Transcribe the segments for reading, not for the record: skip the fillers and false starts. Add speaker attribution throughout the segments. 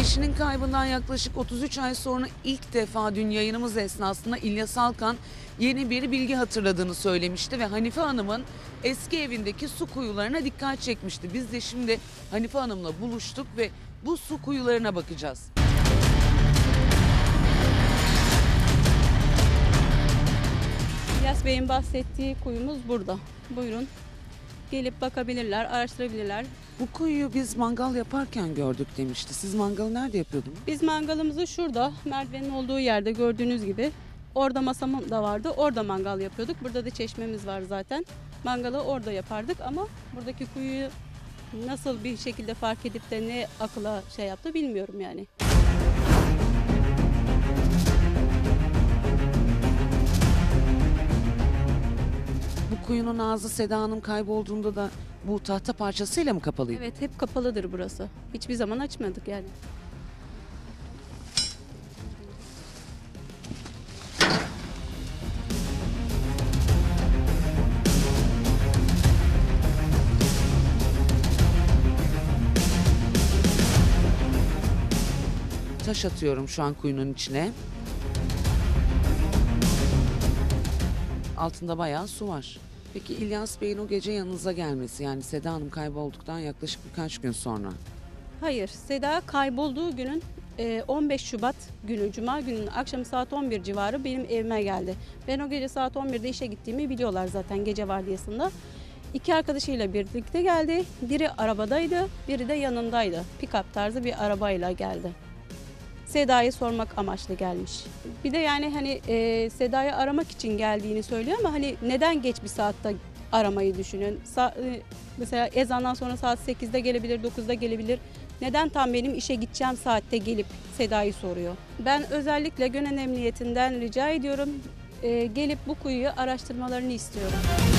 Speaker 1: Eşinin kaybından yaklaşık 33 ay sonra ilk defa dün yayınımız esnasında İlyas Alkan yeni bir bilgi hatırladığını söylemişti ve Hanife Hanım'ın eski evindeki su kuyularına dikkat çekmişti. Biz de şimdi Hanife Hanım'la buluştuk ve bu su kuyularına bakacağız.
Speaker 2: İlyas Bey'in bahsettiği kuyumuz burada. Buyurun. Gelip bakabilirler, araştırabilirlar.
Speaker 1: Bu kuyuyu biz mangal yaparken gördük demişti. Siz mangalı nerede yapıyordunuz?
Speaker 2: Biz mangalımızı şurada, merdivenin olduğu yerde gördüğünüz gibi. Orada masam da vardı. Orada mangal yapıyorduk. Burada da çeşmemiz var zaten. Mangalı orada yapardık ama buradaki kuyuyu nasıl bir şekilde fark edip de ne akıla şey yaptı bilmiyorum yani.
Speaker 1: Bu kuyunun ağzı Seda Hanım kaybolduğunda da bu tahta parçasıyla mı kapalıydı?
Speaker 2: Evet, hep kapalıdır burası. Hiçbir zaman açmadık yani.
Speaker 1: Taş atıyorum şu an kuyunun içine. Altında bayağı su var. Peki İlyas Bey'in o gece yanınıza gelmesi, yani Seda Hanım kaybolduktan yaklaşık birkaç gün sonra.
Speaker 2: Hayır, Seda kaybolduğu günün 15 Şubat günü, Cuma gününün akşamı saat 11 civarı benim evime geldi. Ben o gece saat 11'de işe gittiğimi biliyorlar zaten gece vardiyasında. İki arkadaşıyla birlikte geldi. Biri arabadaydı, biri de yanındaydı. Pick-up tarzı bir arabayla geldi. Seda'yı sormak amaçlı gelmiş. Bir de yani hani Seda'yı aramak için geldiğini söylüyor ama hani neden geç bir saatte aramayı düşünün? Mesela ezandan sonra saat 8'de gelebilir, 9'da gelebilir. Neden tam benim işe gideceğim saatte gelip Seda'yı soruyor? Ben özellikle Gönen Emniyetinden rica ediyorum. Gelip bu kuyuyu araştırmalarını istiyorum.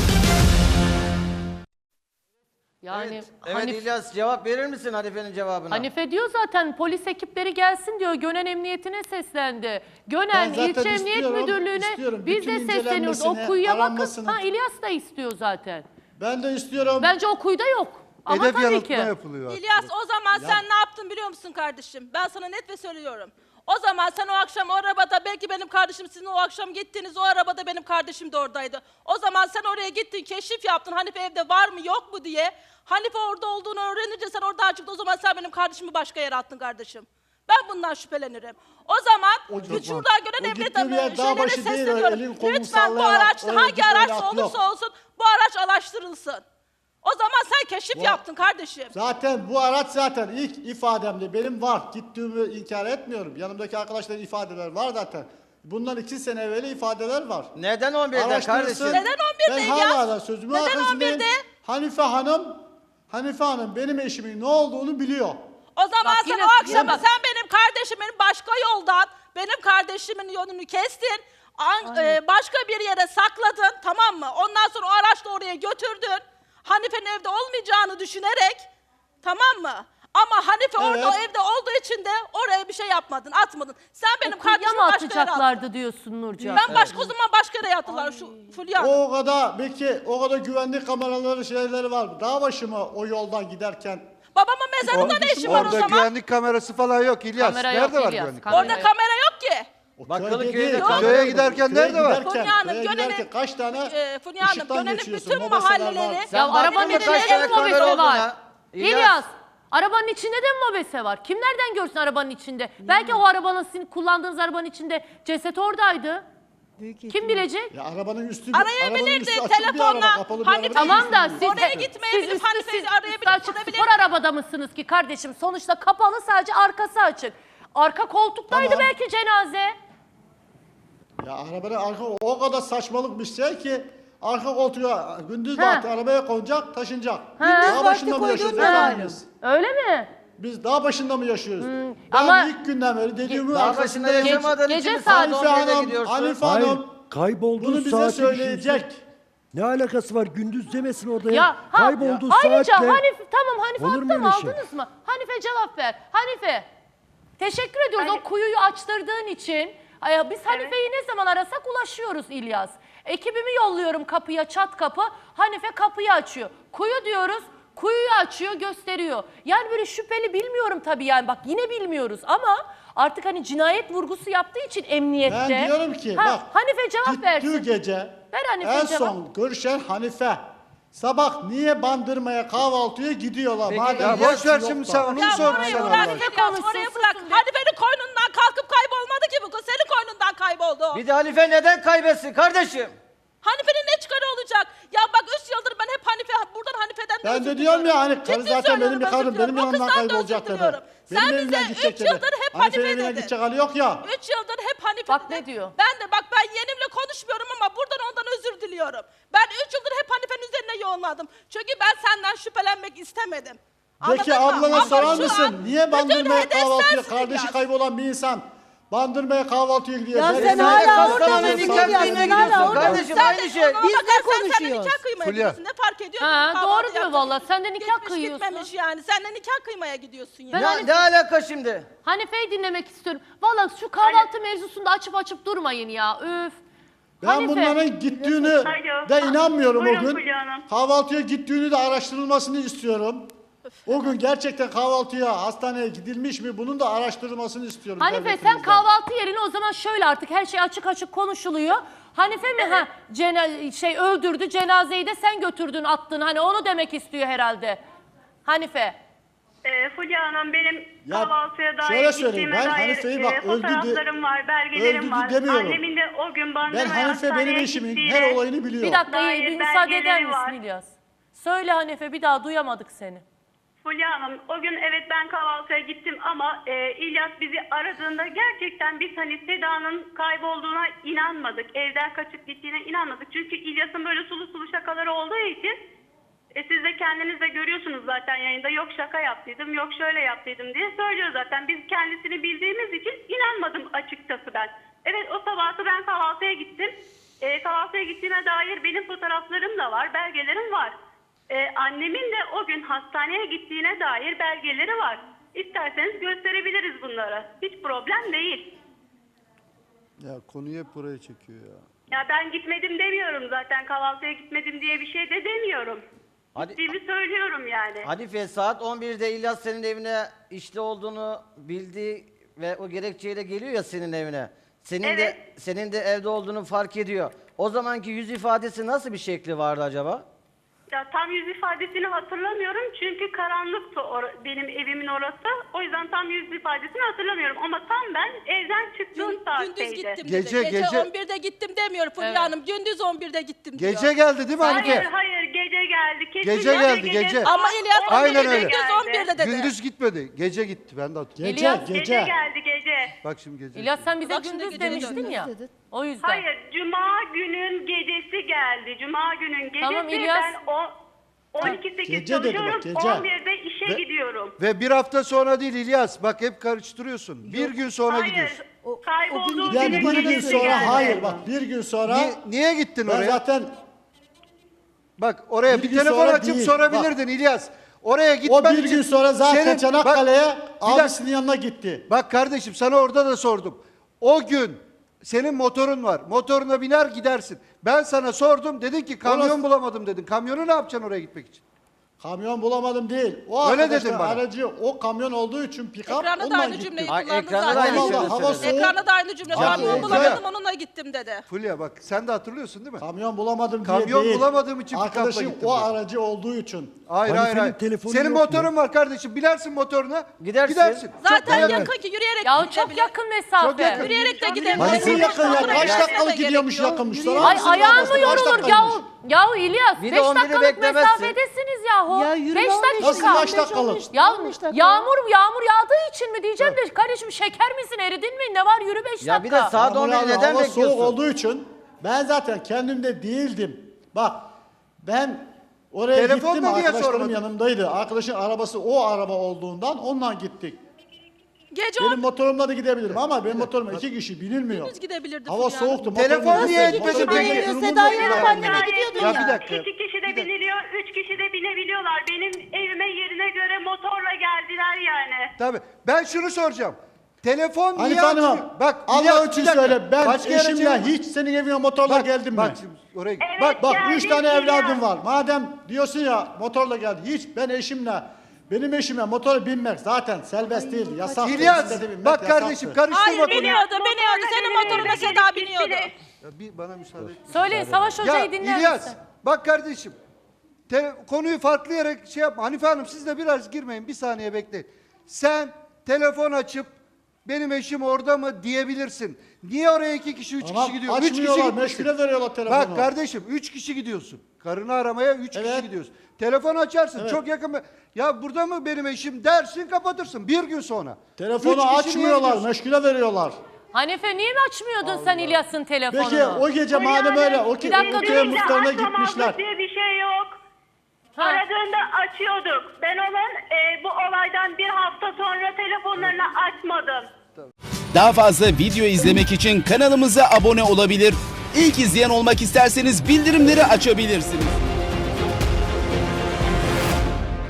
Speaker 3: Yani
Speaker 4: Evet İlyas, cevap verir misin Hanife'nin cevabına?
Speaker 3: Hanife diyor zaten polis ekipleri gelsin diyor. Gönen Emniyetine seslendi. Gönen İlçe Emniyet Müdürlüğü'ne biz de sesleniyoruz. O kuyuya bakın. Ha, İlyas da istiyor zaten.
Speaker 5: Ben de istiyorum.
Speaker 3: Bence o kuyuda yok. Ama
Speaker 6: Hedef
Speaker 3: tabii
Speaker 6: yanıltma
Speaker 3: ki.
Speaker 6: yapılıyor.
Speaker 7: İlyas, o zaman sen ne yaptın biliyor musun kardeşim? Ben sana net ve söylüyorum. O zaman sen o akşam o arabada, belki benim kardeşim sizin o akşam gittiğiniz o arabada benim kardeşim de oradaydı. O zaman sen oraya gittin, keşif yaptın Hanife evde var mı yok mu diye. Hanife orada olduğunu öğrenince sen oradan çıktın, o zaman sen benim kardeşimi başka yere attın kardeşim. Ben bundan şüphelenirim. O zaman şuradan Gönen Emniyet şeylere sesleniyorum. Lütfen bu araç hangi araç olursa olsun bu araç araştırılsın. O zaman sen keşif yaptın kardeşim.
Speaker 5: Zaten bu araç zaten ilk ifademde benim var. Gittiğimi inkar etmiyorum. Yanımdaki arkadaşların ifadeler var zaten. Bundan 2 sene evveli ifadeler var.
Speaker 4: Neden 11'de kardeşim?
Speaker 7: Neden 11'de
Speaker 5: Ben
Speaker 7: İlyas?
Speaker 5: hala da sözümün
Speaker 7: Neden
Speaker 5: arkasındayım.
Speaker 7: 11'de?
Speaker 5: Hanife Hanım benim eşimin ne olduğunu biliyor.
Speaker 7: O zaman
Speaker 3: Bak
Speaker 7: sen
Speaker 3: yine-
Speaker 7: o akşamı sen benim kardeşimin başka yoldan, benim kardeşimin yolunu kestin. Başka bir yere sakladın, tamam mı? Ondan sonra o araçla oraya götürdün. Hanife'nin evde olmayacağını düşünerek, tamam mı? Ama Hanife orada o evde olduğu için de oraya bir şey yapmadın, atmadın. Sen benim
Speaker 3: Kuyuya
Speaker 7: kardeşimi
Speaker 3: mı
Speaker 7: başka yere attın.
Speaker 3: atacaklardı diyorsun Nurcan?
Speaker 7: Ben başka o zaman başka yere attılar şu Fulya.
Speaker 5: O kadar belki o kadar güvenlik kameraları şeyleri var. Dağ başı mı o yoldan giderken?
Speaker 7: Babamın mezarında ne işi var o
Speaker 6: Orada
Speaker 7: zaman?
Speaker 6: güvenlik kamerası falan yok İlyas.
Speaker 3: Kamera yok
Speaker 6: Nerede var
Speaker 3: İlyas,
Speaker 6: güvenlik
Speaker 3: kamera
Speaker 7: Orada kamera yok ki.
Speaker 4: Bakkalı
Speaker 5: Köyde
Speaker 4: köyde
Speaker 5: değil,
Speaker 4: kamera
Speaker 6: Köye
Speaker 4: yok.
Speaker 6: giderken
Speaker 5: Köye
Speaker 6: nerede var?
Speaker 5: giderken,
Speaker 7: Fulya Hanım,
Speaker 5: köye
Speaker 7: Gönen'in-
Speaker 5: giderken kaç tane
Speaker 7: Fulya Hanım,
Speaker 5: ışıktan
Speaker 7: Gönen'in
Speaker 5: geçiyorsun,
Speaker 7: bütün
Speaker 5: mobeseler
Speaker 7: mahalleleri-
Speaker 5: var.
Speaker 3: Ya
Speaker 4: Sen
Speaker 3: arabanın
Speaker 4: baktın mı
Speaker 3: içinde
Speaker 4: kaç
Speaker 3: de
Speaker 4: tane
Speaker 3: mi
Speaker 4: kamera
Speaker 3: mobese
Speaker 4: olduğuna?
Speaker 3: var? İlyas, arabanın içinde de mi mobese var? Kim nereden görsün arabanın içinde? Belki o arabanın, sizin kullandığınız arabanın içinde ceset oradaydı. Kim bilecek?
Speaker 5: Ya arabanın üstü
Speaker 7: Arayabilirdi
Speaker 5: üstü açık bir
Speaker 7: telefonla.
Speaker 5: araba, kapalı bir
Speaker 7: Hani
Speaker 5: araba
Speaker 3: Tamam
Speaker 5: değil.
Speaker 3: da siz,
Speaker 7: Oraya gitmeyebilir,
Speaker 3: siz
Speaker 7: Hanife'yi
Speaker 3: üstü
Speaker 7: arayabilir,
Speaker 3: açık
Speaker 7: sorabilir.
Speaker 3: spor arabada mısınız ki kardeşim? Sonuçta kapalı, sadece arkası açık. Arka koltuktaydı
Speaker 5: Tamam.
Speaker 3: belki cenaze.
Speaker 5: Ya arabanın arka o kadar saçmalık bir şey ki arka koltuğa gündüz
Speaker 3: Ha.
Speaker 5: vakti arabaya konacak, taşınacak.
Speaker 3: Ha.
Speaker 5: Dağ başında mı yaşıyoruz?
Speaker 3: Ha.
Speaker 5: efendim biz?
Speaker 3: Öyle mi?
Speaker 5: Biz dağ başında mı yaşıyoruz? Ben
Speaker 3: ama-
Speaker 5: ilk günden beri dediğimin
Speaker 4: Dağ başında
Speaker 5: arkasındayım.
Speaker 4: yaşamadığın
Speaker 3: gece
Speaker 4: için mi
Speaker 3: saat
Speaker 4: saat
Speaker 5: Hanife
Speaker 4: 11'de
Speaker 5: Hanım,
Speaker 4: gidiyorsun?
Speaker 5: Hanife
Speaker 8: Hayır,
Speaker 5: Hanım
Speaker 8: kaybolduğu
Speaker 5: bunu bize
Speaker 8: saati
Speaker 5: söyleyecek.
Speaker 8: düşünsün. Ne alakası var? Gündüz demesin orada.
Speaker 3: Ya
Speaker 8: Kaybolduğu
Speaker 3: ayrıca
Speaker 8: saatle.
Speaker 3: Hanife, tamam Hanife
Speaker 8: Olur mu
Speaker 3: attı mı,
Speaker 8: öyle şey?
Speaker 3: aldınız mı? Hanife cevap ver. Hanife, teşekkür ediyoruz o kuyuyu açtırdığın için. Biz Hanife'yi ne zaman arasak ulaşıyoruz İlyas. Ekibimi yolluyorum kapıya, çat kapı. Hanife kapıyı açıyor. Kuyu diyoruz. Kuyuyu açıyor, gösteriyor. Yani böyle şüpheli bilmiyorum tabii yani bak yine bilmiyoruz ama artık hani cinayet vurgusu yaptığı için emniyette.
Speaker 5: Ben diyorum ki bak
Speaker 3: Hanife cevap versin.
Speaker 5: gittiği gece
Speaker 3: Ver Hanife
Speaker 5: en
Speaker 3: cevap.
Speaker 5: son görüşen Hanife. Sabah niye Bandırma'ya kahvaltıya gidiyorlar?
Speaker 4: Peki,
Speaker 5: Madem
Speaker 6: Ya boş ver
Speaker 5: yok
Speaker 6: şimdi
Speaker 5: da.
Speaker 6: sen onu mu
Speaker 7: Ya
Speaker 6: sordun
Speaker 7: orayı
Speaker 6: sen
Speaker 7: bırak,
Speaker 6: Allah
Speaker 3: Hanife
Speaker 6: aşkına?
Speaker 7: İlyas,
Speaker 3: konuşsun,
Speaker 7: orayı
Speaker 3: susun
Speaker 7: bırak.
Speaker 3: be.
Speaker 7: Hanife'nin koynundan kalkıp kaybolmadı ki bu kız. Senin koynundan kayboldu o.
Speaker 4: Bir de Hanife neden kaybetsin kardeşim?
Speaker 7: Hanife'nin ne çıkarı olacak? Ya bak 3 yıldır ben hep buradan Hanife'den
Speaker 5: Ben
Speaker 7: özür
Speaker 5: de diyorum ya
Speaker 7: diliyorum.
Speaker 5: hani karı
Speaker 7: Ciddi
Speaker 5: zaten
Speaker 7: söylüyorum,
Speaker 5: benim bir karım
Speaker 7: özür
Speaker 5: benim
Speaker 7: diliyorum. O
Speaker 5: yanımdan
Speaker 7: kızdan da
Speaker 5: kaybolacak
Speaker 7: özür
Speaker 5: dedi.
Speaker 7: diliyorum.
Speaker 5: Benim
Speaker 7: Sen
Speaker 5: evimden
Speaker 7: bize
Speaker 5: gidecek
Speaker 7: 3
Speaker 5: dedi.
Speaker 7: yıldır hep
Speaker 5: Hanife'nin
Speaker 7: Hanife
Speaker 5: evine
Speaker 7: dedin.
Speaker 5: gidecek hali yok ya.
Speaker 7: 3 yıldır hep Hanife
Speaker 3: Bak
Speaker 7: dedin.
Speaker 3: ne diyor?
Speaker 7: Ben yeğenimle konuşmuyorum ama buradan ondan özür diliyorum. Ben 3 yıldır hep Hanife'nin üzerine yoğunladım. Çünkü ben senden şüphelenmek istemedim.
Speaker 5: Peki
Speaker 7: Anladın mı?
Speaker 5: ablana
Speaker 7: Ama
Speaker 5: sorar
Speaker 7: şu
Speaker 5: mısın?
Speaker 7: an
Speaker 5: Niye
Speaker 7: bütün
Speaker 5: Bandırma'ya
Speaker 7: hedef
Speaker 5: kahvaltıya
Speaker 7: sensin
Speaker 5: kardeşi
Speaker 7: İlyas.
Speaker 5: kaybolan bir insan Bandırma'ya kahvaltıya gidiyor.
Speaker 9: Ya
Speaker 5: Nereye
Speaker 9: sen
Speaker 5: gidiyor?
Speaker 9: hala
Speaker 4: Hastaneye
Speaker 9: oradasın
Speaker 4: nikah
Speaker 9: Fulya,
Speaker 4: kıymaya
Speaker 9: sen hala
Speaker 4: gidiyorsun
Speaker 9: oradasın.
Speaker 4: kardeşim
Speaker 7: Sen
Speaker 4: aynı
Speaker 7: de
Speaker 4: şey.
Speaker 7: ona
Speaker 9: Biz ne
Speaker 7: bakarsan sen de
Speaker 9: konuşuyoruz?
Speaker 7: nikah kıymaya
Speaker 6: Fulya.
Speaker 7: gidiyorsun. Ne fark ediyor?
Speaker 3: Ha,
Speaker 7: Kahvaltı
Speaker 3: doğru diyor
Speaker 7: yaptın.
Speaker 3: valla. Sen de nikah
Speaker 7: Gitmiş
Speaker 3: kıyıyorsun.
Speaker 7: gitmemiş yani. Sen de nikah kıymaya gidiyorsun yani.
Speaker 3: Ben
Speaker 4: Ne alaka şimdi?
Speaker 3: Hanife'yi dinlemek istiyorum. Valla şu kahvaltı mevzusunda açıp durmayın ya. Öf.
Speaker 5: Ben
Speaker 3: Hanife.
Speaker 5: bunların gittiğini
Speaker 10: Alo.
Speaker 5: de inanmıyorum o
Speaker 10: Buyurun
Speaker 5: gün.
Speaker 10: Fulya Hanım.
Speaker 5: Kahvaltıya gittiğini de araştırılmasını istiyorum. O gün gerçekten kahvaltıya, hastaneye gidilmiş mi? Bunun da araştırılmasını istiyorum.
Speaker 3: Hanife sen
Speaker 5: devletimizden.
Speaker 3: kahvaltı yerine o zaman şöyle artık her şey açık konuşuluyor. Hanife mi öldürdü cenazeyi de sen götürdün attın hani onu demek istiyor herhalde. Hanife.
Speaker 10: Fulya Hanım benim
Speaker 5: Ya,
Speaker 10: kahvaltıya dair
Speaker 5: şöyle söyleyeyim,
Speaker 10: gittiğime
Speaker 5: ben
Speaker 10: dair
Speaker 5: Hanife'yi bak öldü
Speaker 10: fotoğraflarım var, belgelerim
Speaker 5: öldürdü
Speaker 10: var.
Speaker 5: demiyorum.
Speaker 10: Annemin de o gün
Speaker 5: Ben
Speaker 10: Bandırma'ya
Speaker 5: Hanife benim
Speaker 10: hastaneye
Speaker 5: eşimin
Speaker 10: gittiğine-
Speaker 5: her olayını biliyor.
Speaker 3: Bir dakika
Speaker 10: Dair
Speaker 3: bir müsaade eder
Speaker 10: belgeleri
Speaker 3: misin
Speaker 10: var.
Speaker 3: İlyas? Söyle Hanife bir daha duyamadık seni.
Speaker 10: Fulya Hanım o gün evet ben kahvaltıya gittim ama İlyas bizi aradığında gerçekten biz hani Seda'nın kaybolduğuna inanmadık. Evden kaçıp gittiğine inanmadık. Çünkü İlyas'ın böyle sulu sulu şakaları olduğu için siz de kendiniz de görüyorsunuz zaten yayında yok şaka yaptıydım yok şöyle yaptıydım diye söylüyor zaten. Biz kendisini bildiğimiz için inanmadım açıkçası ben. Evet o sabahı ben kahvaltıya gittim. Kahvaltıya gittiğime dair benim fotoğraflarım da var, belgelerim var. Annemin de o gün hastaneye gittiğine dair belgeleri var. İsterseniz gösterebiliriz bunları. Hiç problem değil.
Speaker 6: Ya konuyu hep buraya çekiyor ya.
Speaker 10: Ya ben gitmedim demiyorum zaten. Kahvaltıya gitmedim diye bir şey de demiyorum. Gittiğimi söylüyorum yani.
Speaker 4: Hanife saat 11'de İlyas senin evine işte olduğunu bildiği ve o gerekçeyle geliyor ya senin evine.
Speaker 10: Evet.
Speaker 4: Senin de evde olduğunu fark ediyor. O zamanki yüz ifadesi nasıl bir şekli vardı acaba?
Speaker 10: Ya tam yüz ifadesini hatırlamıyorum çünkü karanlıktı benim evimin orası. O yüzden tam yüz ifadesini hatırlamıyorum ama tam ben evden çıktığım
Speaker 7: Gündüz
Speaker 10: saatteydi.
Speaker 7: gittim
Speaker 6: Gece,
Speaker 7: dedi. Gece
Speaker 6: gece.
Speaker 7: 11'de gittim demiyor Fulya
Speaker 3: Evet.
Speaker 7: Hanım. Gündüz 11'de gittim diyor.
Speaker 6: Gece geldi değil mi Hanife?
Speaker 10: Hayır gece geldi. Kesinlikle
Speaker 6: Gece geldi, gece.
Speaker 7: Ama İlyas
Speaker 6: Aynen
Speaker 7: 11'de
Speaker 6: öyle.
Speaker 7: gündüz 11'de dedi.
Speaker 6: Gündüz gitmedi. Gece gitti. Ben de hatırlıyorum.
Speaker 5: Gece,
Speaker 3: İlyas,
Speaker 10: Gece
Speaker 5: gece.
Speaker 10: geldi gece.
Speaker 6: Bak şimdi gece.
Speaker 3: İlyas sen bize
Speaker 7: Bak şimdi
Speaker 3: gündüz
Speaker 7: gecenin
Speaker 3: demiştin
Speaker 7: döndü.
Speaker 3: ya. O yüzden.
Speaker 10: Hayır, Cuma günün gecesi geldi. Cuma günün gecesi
Speaker 3: Tamam, İlyas.
Speaker 10: ben o 12-8
Speaker 5: Gece dedi bak,
Speaker 10: çalışıyorum,
Speaker 5: gece.
Speaker 10: 11'de işe
Speaker 6: Ve-
Speaker 10: gidiyorum.
Speaker 6: Ve bir hafta sonra değil İlyas. Bak hep karıştırıyorsun. Bir gün sonra
Speaker 10: Hayır,
Speaker 6: gidiyorsun.
Speaker 10: kaybolduğu
Speaker 5: Yani
Speaker 10: günün
Speaker 5: bir gün
Speaker 10: gecesi
Speaker 5: sonra
Speaker 10: geldi.
Speaker 5: hayır bak bir gün sonra
Speaker 6: Niye gittin
Speaker 5: ben
Speaker 6: oraya?
Speaker 5: zaten
Speaker 6: Bak oraya
Speaker 5: Bir
Speaker 6: bir
Speaker 5: gün
Speaker 6: telefon
Speaker 5: sonra
Speaker 6: açıp
Speaker 5: değil,
Speaker 6: sorabilirdin İlyas. Oraya
Speaker 5: o
Speaker 6: gitmen
Speaker 5: bir
Speaker 6: için
Speaker 5: gün sonra zaten
Speaker 6: senin-
Speaker 5: Çanakkale'ye
Speaker 6: dakika.
Speaker 5: abisinin yanına gitti.
Speaker 6: Bak kardeşim sana orada da sordum. O gün senin motorun var. Motoruna biner gidersin. Ben sana sordum. Dedin ki kamyon
Speaker 5: Orası-
Speaker 6: bulamadım dedin. Kamyonu ne yapacaksın oraya gitmek için?
Speaker 5: Kamyon bulamadım değil. O
Speaker 6: Öyle
Speaker 5: arkadaşlar
Speaker 6: dedin bana.
Speaker 5: aracı o kamyon olduğu için pick-up
Speaker 7: Ekranda da
Speaker 5: onunla
Speaker 7: aynı
Speaker 5: gitti.
Speaker 7: cümleyi
Speaker 4: Ay,
Speaker 7: kullandı
Speaker 4: ekranda da
Speaker 7: zaten.
Speaker 4: aynı
Speaker 5: Allah,
Speaker 4: şeyi
Speaker 5: hava
Speaker 4: söyledi.
Speaker 5: soğuk.
Speaker 7: Ekranda da aynı cümle.
Speaker 5: Ya,
Speaker 7: Kamyon
Speaker 5: o-
Speaker 7: bulamadım onunla gittim dedi.
Speaker 6: Fulya bak sen de hatırlıyorsun değil mi?
Speaker 5: Kamyon bulamadım diye
Speaker 6: Kamyon
Speaker 5: değil.
Speaker 6: bulamadığım için pick-up'la
Speaker 5: Arkadaşım
Speaker 6: gittim
Speaker 5: o
Speaker 6: diyor.
Speaker 5: aracı olduğu için.
Speaker 6: Hayır
Speaker 8: Hanife'nin
Speaker 6: hayır.
Speaker 8: telefonu
Speaker 6: Senin
Speaker 8: yok
Speaker 6: motorun
Speaker 8: mu?
Speaker 6: var kardeşim. Binersin motoruna.
Speaker 4: Gidersin.
Speaker 7: Zaten
Speaker 6: Evet.
Speaker 7: yakın ki yürüyerek
Speaker 3: Ya
Speaker 7: gidebilir.
Speaker 3: çok yakın mesafe.
Speaker 6: Çok yakın.
Speaker 7: Yürüyerek de
Speaker 6: Nasıl
Speaker 7: gidebilir.
Speaker 5: Nasıl yakın ya?
Speaker 7: Motoruna
Speaker 5: Kaç
Speaker 7: gitmesine
Speaker 5: dakikalık
Speaker 7: de
Speaker 5: gidiyormuş
Speaker 7: gerek yok.
Speaker 5: yakınmış.
Speaker 3: Ay ayağın mı yorulur yahu? Yahu İlyas
Speaker 4: Bir de
Speaker 3: 5
Speaker 4: 11'i
Speaker 3: dakikalık
Speaker 4: beklemezsin.
Speaker 3: mesafedesiniz yahu.
Speaker 9: Ya yürüme
Speaker 3: 5
Speaker 9: 15
Speaker 3: dakika.
Speaker 5: Nasıl kaç dakikalık?
Speaker 3: Ya
Speaker 9: 15 dakika.
Speaker 3: yağmur yağdığı için mi diyeceğim de kardeşim şeker misin eridin mi ne var yürü 5 dakika.
Speaker 4: Ya bir de saat
Speaker 5: Yağmur
Speaker 4: 11'i
Speaker 5: yağdı,
Speaker 4: neden
Speaker 5: hava
Speaker 4: bekliyorsun?
Speaker 5: soğuk olduğu için ben zaten kendimde değildim. Bak ben oraya
Speaker 6: Telefonla
Speaker 5: gittim
Speaker 6: niye
Speaker 5: arkadaşlarım
Speaker 6: sormadın?
Speaker 5: yanımdaydı. Arkadaşın arabası o araba olduğundan onunla gittik.
Speaker 7: Gece
Speaker 5: Benim motorumla da gidebilirim ama benim motorum 2 kişi binilmiyor.
Speaker 7: Gündüz gidebilirdi
Speaker 5: Hava
Speaker 7: Fulya Hanım.
Speaker 5: soğuktu.
Speaker 6: Telefon
Speaker 5: motorum
Speaker 6: niye
Speaker 5: yoktu.
Speaker 6: etmedin
Speaker 5: Motorum
Speaker 6: peki?
Speaker 5: durumum
Speaker 9: Seda'yı
Speaker 5: yoktu.
Speaker 9: alıp anneme gidiyordun
Speaker 6: Ya
Speaker 9: ya.
Speaker 6: bir dakika.
Speaker 10: 2 kişi de biniliyor, 3 kişi de binebiliyorlar. Benim evime yerine göre motorla geldiler yani.
Speaker 6: Tabii. Ben şunu soracağım. Telefon niye
Speaker 5: Hanife Hanım,
Speaker 6: açmıyor? Bak
Speaker 5: Allah
Speaker 6: İlyas,
Speaker 5: için
Speaker 6: bir dakika.
Speaker 5: söyle, ben
Speaker 6: Başka yere
Speaker 5: eşimle
Speaker 6: çevirme.
Speaker 5: hiç senin evine motorla geldim mi?
Speaker 6: Bak şimdi oraya git.
Speaker 10: Evet,
Speaker 5: Bak
Speaker 10: geldim
Speaker 5: 3 tane
Speaker 10: İlyas.
Speaker 5: evladım var. Madem diyorsun ya motorla geldi. Hiç ben eşimle, benim eşime motora binmek zaten serbest değil. Yasak.
Speaker 6: İlyas bak kardeşim karıştırma
Speaker 7: Hayır
Speaker 6: konuyu.
Speaker 7: biniyordu. Senin motoruna Seda biniyordu.
Speaker 6: Ya bir bana müsaade et.
Speaker 3: Söyleyin Savaş Hoca'yı
Speaker 6: Ya
Speaker 3: dinler
Speaker 6: İlyas
Speaker 3: misin?
Speaker 6: bak kardeşim konuyu farklı yere şey yapma. Hanife Hanım siz de biraz girmeyin, bir saniye bekleyin. Sen telefon açıp benim eşim orada mı diyebilirsin. Niye oraya 2 kişi 3 kişi gidiyor? 3 kişi
Speaker 5: Açmıyorlar,
Speaker 6: gitmişsin.
Speaker 5: meşgule veriyorlar telefonu.
Speaker 6: Bak kardeşim 3 kişi gidiyorsun. Karını aramaya 3 kişi gidiyorsun. Telefon açarsın
Speaker 5: Evet.
Speaker 6: çok yakın. Ya burada mı benim eşim dersin, kapatırsın bir gün sonra.
Speaker 5: Telefonu
Speaker 6: 3 kişi niye
Speaker 5: açmıyorlar,
Speaker 6: gidiyorsun?
Speaker 5: meşgule veriyorlar.
Speaker 3: Hanife niye mi açmıyordun sen İlyas'ın telefonunu?
Speaker 5: Peki o gece madem öyle, o
Speaker 3: Bir dakika,
Speaker 5: köye
Speaker 3: durun.
Speaker 5: muhtarına
Speaker 10: Açmamazlık
Speaker 5: gitmişler.
Speaker 10: diye bir şey yok.
Speaker 3: Ha.
Speaker 10: Aradığında açıyorduk. Ben onun bu olaydan bir hafta sonra telefonlarını açmadım.
Speaker 9: Daha fazla video izlemek için kanalımıza abone olabilir. İlk izleyen olmak isterseniz bildirimleri açabilirsiniz.